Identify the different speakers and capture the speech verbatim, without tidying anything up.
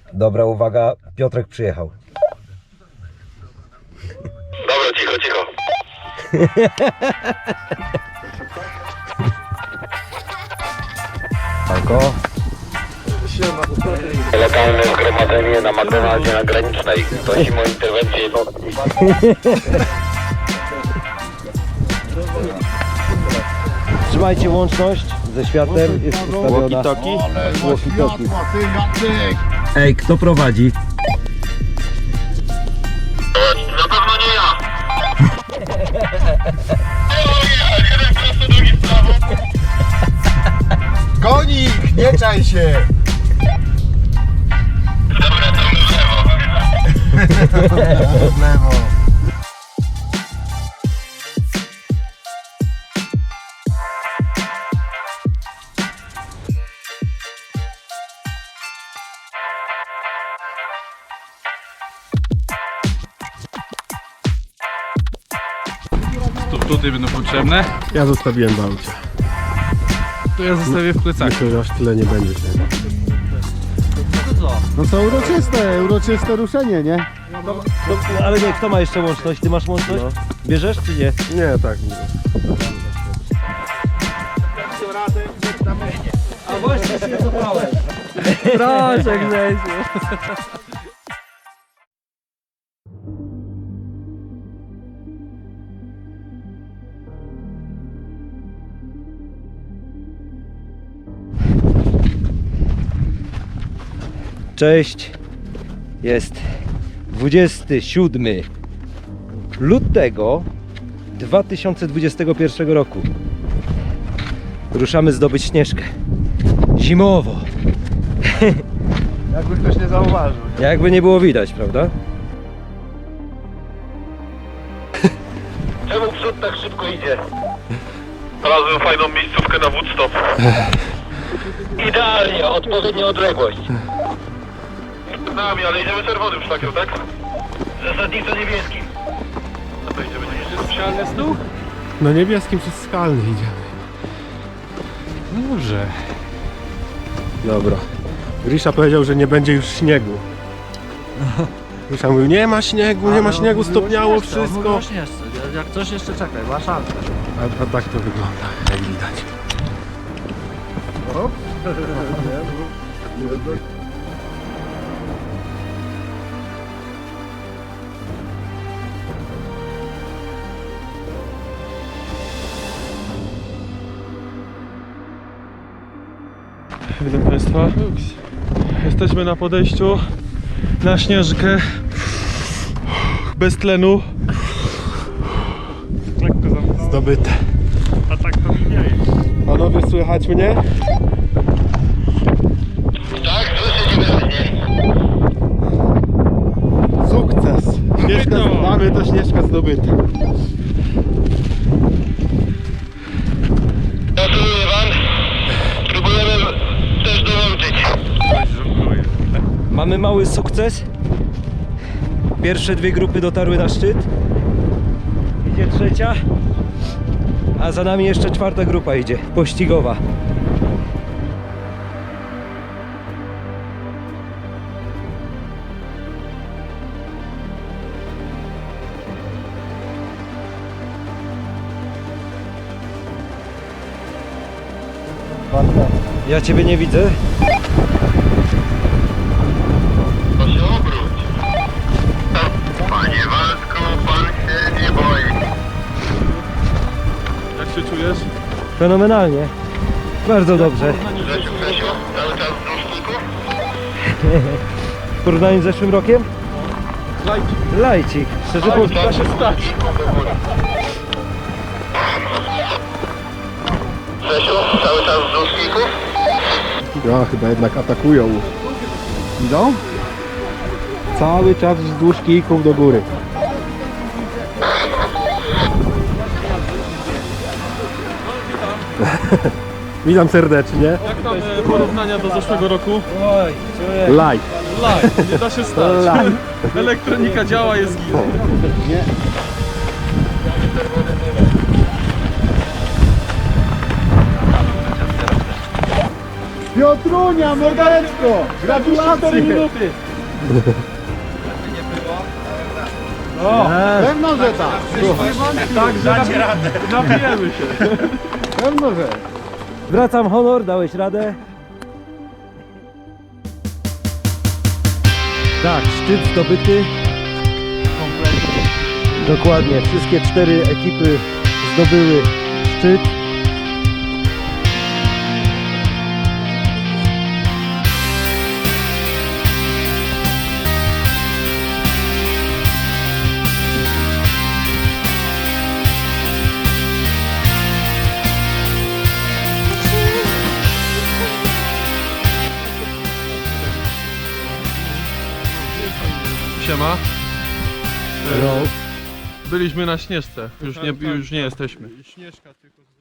Speaker 1: Dobra, uwaga, Piotrek przyjechał.
Speaker 2: Dobra, cicho, cicho.
Speaker 1: Alko.
Speaker 2: Lokalne zgromadzenie na McDonaldzie na Granicznej. Prosimy o interwencję jednostki.
Speaker 1: Trzymajcie łączność ze światem, jest ustawiona.
Speaker 3: Walkie-talkie?
Speaker 1: Walkie-talkie. Ej, kto prowadzi?
Speaker 2: Na pewno nie ja. Jeden prosto, drugi w prawo.
Speaker 3: Konik, nie czaj się!
Speaker 2: Dobra, to w lewo.
Speaker 3: W lewo.
Speaker 4: Tu, tutaj będą potrzebne.
Speaker 5: Ja zostawiłem w aucie.
Speaker 4: To ja zostawię w plecaku.
Speaker 5: Myślę, że aż tyle nie będzie. No to uroczyste, uroczyste ruszenie, nie?
Speaker 1: No, ale nie, kto ma jeszcze łączność? Ty masz łączność? Bierzesz czy nie?
Speaker 5: Nie, tak. Nie.
Speaker 1: A właśnie się zabrałem.
Speaker 3: Proszę, Grzesiu.
Speaker 1: Cześć, jest dwudziestego siódmego lutego dwa tysiące dwudziestego pierwszego roku. Ruszamy zdobyć Śnieżkę. Zimowo.
Speaker 5: Jakby ktoś nie zauważył.
Speaker 1: Jakby nie było widać, prawda?
Speaker 2: Czemu przód tak szybko idzie? Znalazłem fajną miejscówkę na Woodstop. Idealnie, odpowiednia odległość. Z nami, ale idziemy czerwonym szlakiem, tak? Zasadniczo niebieskim. No to idziemy niebieskim.
Speaker 4: Specjalny stół?
Speaker 5: No niebieskim przez skalny idziemy.
Speaker 4: Dobrze.
Speaker 5: Dobra. Grisza powiedział, że nie będzie już śniegu. Grisza mówił, nie ma śniegu, nie ma śniegu, stopniało wszystko.
Speaker 3: Jak coś jeszcze czekaj, ma szansę.
Speaker 5: A, a tak to wygląda, jak widać.
Speaker 4: Witam Państwa. Jesteśmy na podejściu na Śnieżkę. Bez tlenu.
Speaker 5: Zdobyte.
Speaker 4: A tak to mi nie jest.
Speaker 5: Panowie, słychać mnie?
Speaker 2: Tak, słyszę cię wyraźnie.
Speaker 5: Sukces! Śnieżka,
Speaker 4: Zdobyto.
Speaker 5: mamy to Śnieżka zdobyta.
Speaker 2: Gratuluję wam. Próbujemy też dołączyć.
Speaker 1: Mamy mały sukces. Pierwsze dwie grupy dotarły na szczyt. Idzie trzecia. A za nami jeszcze czwarta grupa idzie, pościgowa. Ja ciebie nie widzę.
Speaker 2: To się obróć. Panie Waldku, pan się nie boi.
Speaker 4: Jak się czujesz?
Speaker 1: Fenomenalnie. Bardzo dobrze.
Speaker 2: Grzesiu, Grzesiu, cały czas z różników?
Speaker 1: W porównaniu z zeszłym rokiem?
Speaker 4: Lajki.
Speaker 1: Lajcik. Szczerze mówiąc.
Speaker 4: Da się stać.
Speaker 2: Grzesiu, cały czas z różników?
Speaker 5: Ja, chyba jednak atakują. Idą? Cały czas wzdłuż kijków do góry. Witam serdecznie.
Speaker 4: Jak tam e, porównania do zeszłego roku?
Speaker 1: Oj, człowiek.
Speaker 5: Live.
Speaker 4: Live, nie da się stać.
Speaker 5: Live.
Speaker 4: Elektronika działa, jest git.
Speaker 5: Nie.
Speaker 3: Piotrunia, Morgalecko! Gratulacje!
Speaker 4: minuty.
Speaker 3: O, pewno, że tak.
Speaker 4: Tak, że napi- napijemy się.
Speaker 3: Pewno, że.
Speaker 1: Zwracam honor, dałeś radę. Tak, szczyt zdobyty. Dokładnie, wszystkie cztery ekipy zdobyły szczyt.
Speaker 4: Siema.
Speaker 1: No.
Speaker 4: Byliśmy na Śnieżce. Już nie, już nie jesteśmy.
Speaker 5: Śnieżka tylko